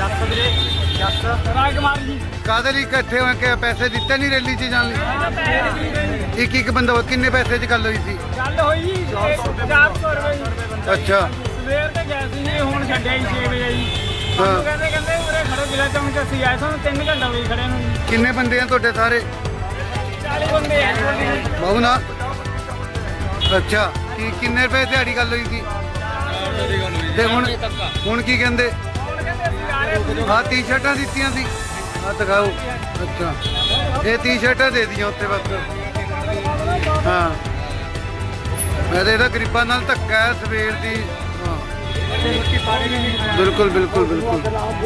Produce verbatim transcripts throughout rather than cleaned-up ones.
ਜੱਸ ਵੀਰੇ ਜੱਸ ਰਾਜਕੁਮਾਰ ਜੀ ਕਾਹਦੇ ਲਈ ਇਕੱਠੇ ਹੋਏ ਕਿ ਪੈਸੇ ਦਿੱਤੇ ਨਹੀਂ ਰੈਲੀ 'ਚ ਜਾਣ ਲਈ? ਹਾਂ ਪੈਸੇ ਦਿੱਤੇ ਇੱਕ ਇੱਕ ਬੰਦਾ ਕਿੰਨੇ ਪੈਸੇ 'ਚ ਗੱਲ ਹੋਈ ਸੀ? ਗੱਲ ਹੋਈ ਜੀ ਚਾਰ ਸੌ ਰੁਪਏ ਜੀ। ਅੱਛਾ ਸਵੇਰ ਤੇ ਗਏ ਸੀ ਜੀ ਹੁਣ ਛੱਡਿਆ ਜੀ ਛੇ ਵਜੇ ਜੀ। ਹਾਂ। ਸਾਨੂੰ ਕਹਿੰਦੇ ਕਹਿੰਦੇ ਉਰੇ ਖੜੋ ਜ਼ਿਲ੍ਹਾ ਚੌਂਕ 'ਚ ਅਸੀਂ ਆਏ ਸਾਨੂੰ ਤਿੰਨ ਘੰਟੇ ਹੋ ਗਏ ਖੜੇ ਨੂੰ ਜੀ। ਕਿੰਨੇ ਬੰਦੇ ਆ ਤੁਹਾਡੇ ਸਾਰੇ? ਚਾਲੀ ਬੰਦੇ ਆ ਜੀ। ਬਾਬੂ ਨਾ ਅੱਛਾ ਕੀ ਕਿੰਨੇ ਰੁਪਏ ਦਿਹਾੜੀ ਗੱਲ ਹੋਈ ਸੀ? ਤੇ ਹੁਣ ਹੁਣ ਕੀ ਕਹਿੰਦੇ? ਹੁਣ ਕਹਿੰਦੇ ਅਸੀਂ ਆ ਰਹੇ ਸੀ। ਆਹ ਟੀ-ਸ਼ਰਟਾਂ ਦਿੱਤੀਆਂ ਸੀ ਆ ਦਿਖਾਓ। ਅੱਛਾ ਇਹ ਟੀ-ਸ਼ਰਟਾਂ ਦੇ ਦੀਆਂ ਉੱਤੇ ਬਸ। ਹਾਂ ਮੈਂ ਤਾਂ ਇਹਦਾ ਗਰੀਬਾਂ ਨਾਲ ਧੱਕਾ ਹੈ ਸਵੇਰ ਦੀ। ਹਾਂ ਬਿਲਕੁਲ ਬਿਲਕੁਲ ਬਿਲਕੁਲ।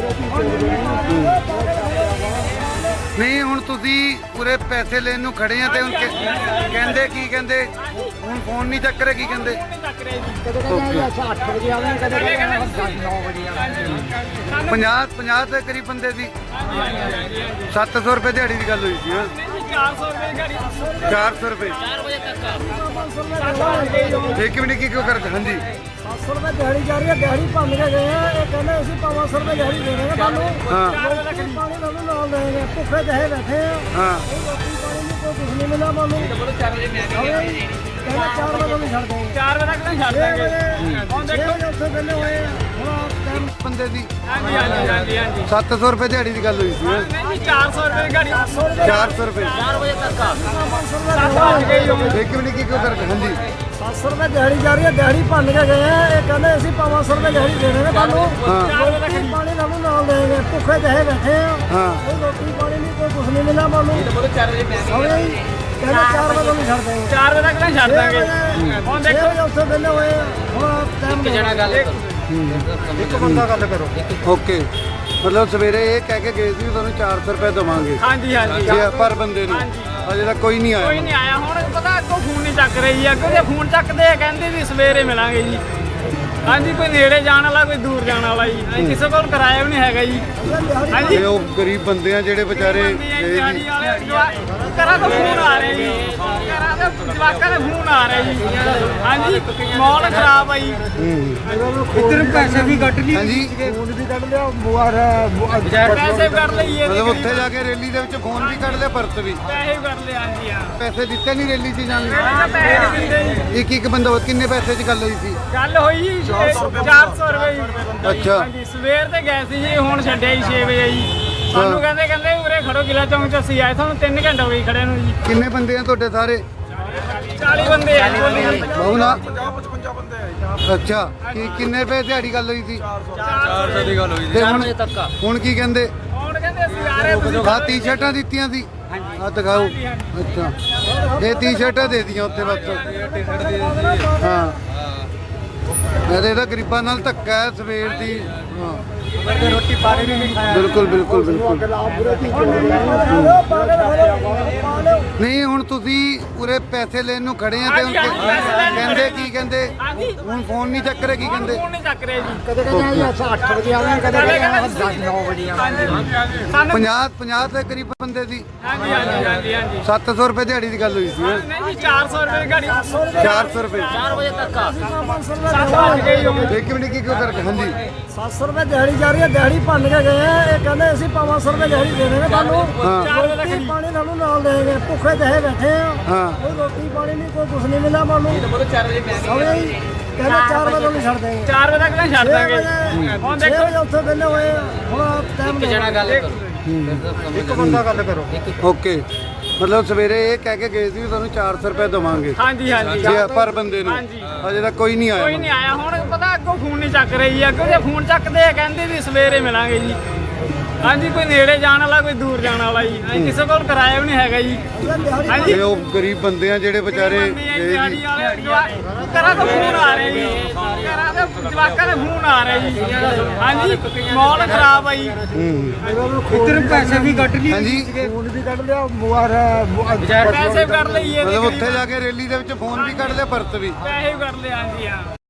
ਨਹੀਂ ਹੁਣ ਤੁਸੀਂ ਪੂਰੇ ਪੈਸੇ ਲੈਣ ਨੂੰ ਖੜੇ ਆ ਤੇ ਹੁਣ ਕਿ- ਕਹਿੰਦੇ ਕੀ ਕਹਿੰਦੇ? ਹੁਣ ਫੋਨ ਨਹੀਂ ਚੱਕ ਰਹੇ ਕੀ ਕਹਿੰਦੇ? ਚੱਕ ਰਹੇ ਜੀ। ਕਦੇ ਕਹਿੰਦੇ ਅਸੀਂ ਅੱਠ ਵਜੇ ਆਵਾਂਗੇ, ਕਦੇ ਕਹਿੰਦੇ ਅਸੀਂ ਨੌ ਵਜੇ ਆਵਾਂਗੇ। ਪੰਜਾਹ ਪੰਜਾਹ ਦੇ ਕਰੀਬ ਬੰਦੇ ਦੀ ਸੱਤ ਸੌ ਰੁਪਏ ਦਿਹਾੜੀ ਦੀ ਗੱਲ ਹੋਈ ਸੀ। ਹਾਂ ਚਾਰ ਸੌ ਰੁਪਏ ਗਾੜੀ ਚਾਰ ਸੌ ਰੁਪਏ ਇੱਕ ਮਿੰਟ ਕੀ ਕਿਉਂ ਕਰਦੇ? ਹਾਂਜੀ ਸੱਤ ਸੌ ਰੁਪਏ ਦਿਹਾੜੀ ਜਾ ਰਹੀ ਹੈ, ਦਿਹਾੜੀ ਭੰਨ ਕੇ ਗਏ ਆ। ਇਹ ਕਹਿੰਦੇ ਅਸੀਂ ਪੰਜ ਸੌ ਰੁਪਏ ਦਿਹਾੜੀ ਦੇ ਦੇਵਾਂਗੇ ਤੁਹਾਨੂੰ। ਹਾਂ ਰੋਟੀ ਪਾਣੀ ਤੁਹਾਨੂੰ ਨਾਲ ਦੇਣਗੇ। ਭੁੱਖੇ ਜਿਹੇ ਬੈਠੇ ਆ। ਹਾਂ ਕੋਈ ਰੋਟੀ ਪਾਣੀ ਨਹੀਂ, ਕੋਈ ਕੁਝ ਨਹੀਂ ਮਿਲਿਆ ਤੁਹਾਨੂੰ। ਕਹਿੰਦੇ ਚਾਰ ਵਜੇ ਤੁਹਾਨੂੰ ਛੱਡ ਦੇਣਗੇ। ਚਾਰ ਵਜੇ ਤੱਕ ਨਹੀਂ ਛੱਡ ਦਾਂਗੇ। ਹੁਣ ਛੇ ਦੇਖੋ ਵਜੇ ਉੱਥੇ ਵਿਹਲੇ ਹੋਏ ਆ। ਹੁਣ ਟਾਈਮ ਬੰਦੇ ਦੀ ਹਾਂਜੀ ਹਾਂਜੀ ਹਾਂਜੀ ਹਾਂਜੀ ਸੱਤ ਸੌ ਰੁਪਏ ਦਿਹਾੜੀ ਦੀ ਗੱਲ ਹੋਈ ਸੀ। ਹਾਂ ਨਹੀਂ ਜੀ ਚਾਰ ਸੌ ਰੁਪਏ ਗਾੜੀ ਚਾਰ ਸੌ ਰੁਪਏ ਚਾਰ ਵਜੇ ਤੱਕ ਆ ਪੰਜ ਸੌ ਰੁਪਏ ਸੱਤ ਵੱਜ ਗਏ ਜੀ ਹੁਣ। ਇੱਕ ਮਿੰਟ ਕੀ ਕਿਉਂ ਕਰਦੇ? ਹਾਂਜੀ ਸੱਤ ਸੌ ਰੁਪਏ ਦਿਹਾੜੀ ਜਾ ਰਹੀ ਹੈ, ਦਿਹਾੜੀ ਭੰਨ ਕੇ ਗਏ ਆ। ਇਹ ਕਹਿੰਦੇ ਅਸੀਂ ਪੰਜ ਸੌ ਰੁਪਏ ਦਿਹਾੜੀ ਦੇ ਦੇਵਾਂਗੇ ਤੁਹਾਨੂੰ। ਹਾਂ ਚਾਰ ਵਜੇ ਤੱਕ ਰੋਟੀ ਪਾਣੀ ਤੁਹਾਨੂੰ ਨਾਲ ਦੇਣਗੇ। ਭੁੱਖੇ ਜਿਹੇ ਬੈਠੇ ਆ। ਹਾਂ ਕੋਈ ਰੋਟੀ ਪਾਣੀ ਨਹੀਂ, ਕੋਈ ਕੁਝ ਨਹੀਂ ਮਿਲਿਆ ਤੁਹਾਨੂੰ। ਕਹਿੰਦੇ ਚਾਰ ਵਜੇ ਤੁਹਾਨੂੰ ਛੱਡ ਦੇਣਗੇ। ਚਾਰ ਵਜੇ ਤੱਕ ਨਹੀਂ ਛੱਡ ਦਾਂਗੇ। ਹੁਣ ਛੇ ਦੇਖੋ ਵਜੇ ਉੱਥੇ ਵਿਹਲੇ ਹੋਏ ਆ। ਹੁਣ ਟਾਈਮ ਜਣਾ ਗੱਲ ਇੱਕ ਬੰਦਾ ਗੱਲ ਕਰੋ। ਓਕੇ ਮਤਲਬ ਸਵੇਰੇ ਇਹ ਕਹਿ ਕੇ ਗਏ ਸੀ ਵੀ ਤੁਹਾਨੂੰ ਚਾਰ ਸੌ ਰੁਪਏ ਦੇਵਾਂਗੇ ਹਾਂਜੀ ਹਾਂਜੀ ਜੇ ਪਰ ਬੰਦੇ ਨੂੰ ਅਜੇ ਤੱਕ ਕੋਈ ਨਹੀਂ ਕੋਈ ਆਇਆ। ਨਹੀਂ ਆਇਆ। ਹੁਣ ਪਤਾ ਅੱਗੋਂ ਫੋਨ ਨਹੀਂ ਚੱਕ ਰਹੀ ਆ। ਅੱਗੋਂ ਜੇ ਫੋਨ ਚੱਕਦੇ ਆ ਕਹਿੰਦੇ ਵੀ ਸਵੇਰੇ ਮਿਲਾਂਗੇ ਜੀ। ਹਾਂਜੀ ਕੋਈ ਨੇੜੇ ਜਾਣ ਵਾਲਾ ਕੋਈ ਦੂਰ ਜਾਣ ਵਾਲਾ ਜੀ। ਅਸੀਂ ਕਿਸੇ ਕੋਲ ਕਿਰਾਇਆ ਵੀ ਨਹੀਂ ਹੈਗਾ ਜੀ। ਹਾਂਜੀ ਇਹ ਉਹ ਗਰੀਬ ਬੰਦੇ ਆ ਜਿਹੜੇ ਵਿਚਾਰੇ ਗਏ ਦਿਹਾੜੀ ਜੀ। ਵਾਲੇ ਜਵਾ- ਘਰਾਂ ਤੋਂ ਫੋਨ ਆ ਰਹੇ ਜੀ। ਘਰਾਂ ਦੇ ਜਵਾਕਾਂ ਦੇ ਫੋਨ ਆ ਰਹੇ ਜੀ। ਹਾਂਜੀ ਮਾਹੌਲ ਖਰਾਬ ਆ ਜੀ। ਇੱਧਰ ਪੈਸੇ ਵੀ ਕੱਟ ਲਈ। ਹਾਂਜੀ ਫੋਨ ਵੀ ਕੱਢ ਲਿਆ। ਮੁਆਰ ਪੈਸੇ ਵੀ ਕਰ ਲਈਏ ਮਤਲਬ ਉੱਥੇ ਜਾ ਕੇ ਰੈਲੀ ਦੇ ਵਿੱਚ ਫੋਨ ਵੀ ਕੱਢ ਲਿਆ ਪਰਸ ਵੀ। ਪੈਸੇ ਵੀ ਕਰ ਲਏ ਹਾਂਜੀ ਹਾਂ। ਪੈਸੇ ਦਿੱਤੇ ਨਹੀਂ ਰੈਲੀ 'ਚ ਜਾਣ ਲਈ? ਪਹਿਲਾਂ ਪੈਸੇ ਨਹੀਂ ਦਿੰਦੇ ਜੀ। ਇੱਕ ਇੱਕ ਬੰਦਾ ਕਿੰਨੇ ਪੈਸੇ 'ਚ ਗੱਲ ਹੋਈ ਸੀ? ਗੱਲ ਹੋਈ ਜੀ ਚਾਰ ਸੌ ਰੁਪਏ ਜੀ। ਅੱਛਾ ਹਾਂਜੀ ਸਵੇਰ ਤੇ ਗਏ ਸੀ ਜੀ ਹੁਣ ਛੱਡਿਆ ਜੀ ਛੇ ਵਜੇ ਜੀ। ਸਾਨੂੰ ਕਹਿੰਦੇ ਕਹਿੰਦੇ ਉਰੇ ਖੜੋ ਜ਼ਿਲ੍ਹਾ ਚੌਂਕ 'ਚ ਅਸੀਂ ਆਏ ਸਾਨੂੰ ਤਿੰਨ ਘੰਟੇ ਹੋ ਗਏ ਖੜੇ ਨੂੰ ਜੀ। ਕਿੰਨੇ ਬੰਦੇ ਆ ਤੁਹਾਡੇ ਸਾਰੇ? ਚਾਲੀ ਬੰਦੇ ਆ ਜੀ। ਬਾਬੂ ਨਾ ਅੱਛਾ ਕੀ ਕਿੰਨੇ ਰੁਪਏ ਦਿਹਾੜੀ ਗੱਲ ਹੋਈ ਸੀ? ਚਾਰ ਸੌ ਦੀ ਗੱਲ ਹੋਈ ਤੇ ਹੁਣ ਹੁਣ ਕੀ ਕਹਿੰਦੇ? ਹੁਣ ਕਹਿੰਦੇ ਅਸੀਂ ਆ ਰਹੇ ਤੁਸੀਂ ਆਹ ਟੀ-ਸ਼ਰਟਾਂ ਦਿੱਤੀਆਂ ਸੀ ਆ ਦਿਖਾਓ। ਅੱਛਾ ਇਹ ਟੀ-ਸ਼ਰਟਾਂ ਦੇ ਦੀਆਂ ਉੱਤੇ ਬਸ। ਹਾਂ ਮੈਂ ਤਾਂ ਇਹਦਾ ਗਰੀਬਾਂ ਨਾਲ ਧੱਕਾ ਹੈ ਸਵੇਰ ਦੀ। ਹਾਂ ਰੋਟੀ ਪਾਣੀ ਨਹੀਂ ਖਾਇਆ। ਬਿਲਕੁਲ ਬਿਲਕੁਲ ਬਿਲਕੁਲ। ਨਹੀਂ ਹੁਣ ਤੁਸੀਂ ਪੂਰੇ ਪੈਸੇ ਲੈਣ ਨੂੰ ਖੜੇ ਆ ਤੇ ਹੁਣ ਕਿ- ਕਹਿੰਦੇ ਕੀ ਕਹਿੰਦੇ? ਹਾਂਜੀ ਹੁਣ ਫੋਨ ਨਹੀਂ ਚੱਕ ਰਹੇ ਕੀ ਕਹਿੰਦੇ? ਫੋਨ ਨਹੀਂ ਚੱਕ ਰਹੇ ਜੀ। ਕਦੇ ਕਹਿੰਦੇ ਅਸੀਂ ਅੱਠ ਵਜੇ ਆਵਾਂਗੇ, ਕਦੇ ਕਹਿੰਦੇ ਅਸੀਂ ਨੌ ਵਜੇ ਆਵਾਂਗੇ। ਸਾਨੂੰ ਪੰਜਾਹ ਪੰਜਾਹ ਦੇ ਕਰੀਬ ਬੰਦੇ ਦੀ ਹਾਂਜੀ ਹਾਂਜੀ ਹਾਂਜੀ ਹਾਂਜੀ ਸੱਤ ਸੌ ਰੁਪਏ ਦਿਹਾੜੀ ਦੀ ਗੱਲ ਹੋਈ ਸੀ। ਹਾਂ ਨਹੀਂ ਜੀ ਚਾਰ ਸੌ ਰੁਪਏ ਗਾੜੀ ਚਾਰ ਸੌ ਰੁਪਏ ਚਾਰ ਵਜੇ ਤੱਕ ਆ ਪੰਜ ਸੌ ਰੁਪਏ ਸੱਤ ਵੱਜ ਗਏ ਜੀ ਹੁਣ। ਇੱਕ ਮਿੰਟ ਕੀ ਕਿਉਂ ਕਰਦੇ? ਹਾਂਜੀ ਸੱਤ ਸੌ ਰੁਪਏ ਦਿਹਾੜੀ ਜਾ ਰਹੀ ਹੈ, ਦਿਹਾੜੀ ਭੰਨ ਕੇ ਗਏ ਆ। ਇਹ ਕਹਿੰਦੇ ਅਸੀਂ ਪੰਜ ਸੌ ਰੁਪਏ ਦਿਹਾੜੀ ਦੇ ਦੇਵਾਂਗੇ ਤੁਹਾਨੂੰ। ਹਾਂ ਚਾਰ ਵਜੇ ਤੱਕ ਰੋਟੀ ਪਾਣੀ ਤੁਹਾਨੂੰ ਨਾਲ ਦੇਣਗੇ। ਭੁੱਖੇ ਜਿਹੇ ਬੈਠੇ ਆ। ਹਾਂ ਕੋਈ ਰੋਟੀ ਪਾਣੀ ਨਹੀਂ, ਕੋਈ ਕੁਝ ਨਹੀਂ ਮਿਲਿਆ ਤੁਹਾਨੂੰ। ਕਹਿੰਦੇ ਚਾਰ ਵਜੇ ਤੁਹਾਨੂੰ ਛੱਡ ਦੇਣਗੇ। ਚਾਰ ਵਜੇ ਤੱਕ ਨਹੀਂ ਛੱਡ ਛੇ ਦਾਂਗੇ। ਵਜੇ ਹੁਣ ਛੇ ਦੇਖੋ ਵਜੇ ਉੱਥੇ ਵਿਹਲੇ ਹੋਏ ਆ। ਹੁਣ ਟਾਈਮ ਜਣਾ ਗੱਲ ਇੱਕ ਬੰਦਾ ਗੱਲ ਕਰੋ। ਓਕੇ ਮਤਲਬ ਸਵੇਰੇ ਇਹ ਕਹਿ ਕੇ ਗਏ ਸੀ ਵੀ ਤੁਹਾਨੂੰ ਚਾਰ ਸੌ ਰੁਪਏ ਦੇਵਾਂਗੇ ਹਾਂਜੀ ਹਾਂਜੀ ਜੇ ਪਰ ਬੰਦੇ ਨੂੰ ਹਾਂਜੀ। ਅਜੇ ਤੱਕ ਕੋਈ ਨਹੀਂ ਕੋਈ ਆਇਆ। ਨਹੀਂ ਆਇਆ। ਹੁਣ ਪਤਾ ਅੱਗੋਂ ਫੋਨ ਨਹੀਂ ਚੱਕ ਰਹੀ ਆ। ਅੱਗੋਂ ਜੇ ਫੋਨ ਚੱਕਦੇ ਆ ਕਹਿੰਦੇ ਵੀ ਸਵੇਰੇ ਮਿਲਾਂਗੇ ਜੀ। ਹਾਂਜੀ ਕੋਈ ਨੇੜੇ ਜਾਣ ਵਾਲਾ ਕੋਈ ਦੂਰ ਜਾਣ ਵਾਲਾ ਜੀ। ਅਸੀਂ ਕਿਸੇ ਕੋਲ ਕਿਰਾਇਆ ਵੀ ਨਹੀਂ ਹੈਗਾ ਜੀ। ਹਾਂਜੀ ਇਹ ਉਹ ਗਰੀਬ ਬੰਦੇ ਆ ਜਿਹੜੇ ਵਿਚਾਰੇ ਗਏ ਜੀ। ਦਿਹਾੜੀ ਵਾਲੇ ਜਵਾ- ਘਰਾਂ ਤੋਂ ਫੋਨ ਆ ਰਹੇ ਜੀ। ਘਰਾਂ ਦੇ ਜਵਾਕਾਂ ਦੇ ਫੋਨ ਆ ਰਹੇ ਜੀ। ਹਾਂਜੀ ਮਾਹੌਲ ਖਰਾਬ ਆ ਜੀ। ਇੱਧਰ ਪੈਸੇ ਵੀ ਕੱਟ ਲਈ। ਹਾਂਜੀ ਫੋਨ ਵੀ ਕੱਢ ਲਿਆ। ਮੁਆਰ ਪੈਸੇ ਵੀ ਕਰ ਲਈਏ ਮਤਲਬ ਉੱਥੇ ਜਾ ਕੇ ਰੈਲੀ ਦੇ ਵਿੱਚ ਫੋਨ ਵੀ ਕੱਢ ਲਿਆ ਪਰਸ ਵੀ। ਪੈਸੇ ਵੀ ਕਰ ਲਏ ਹਾਂਜੀ ਹਾਂ।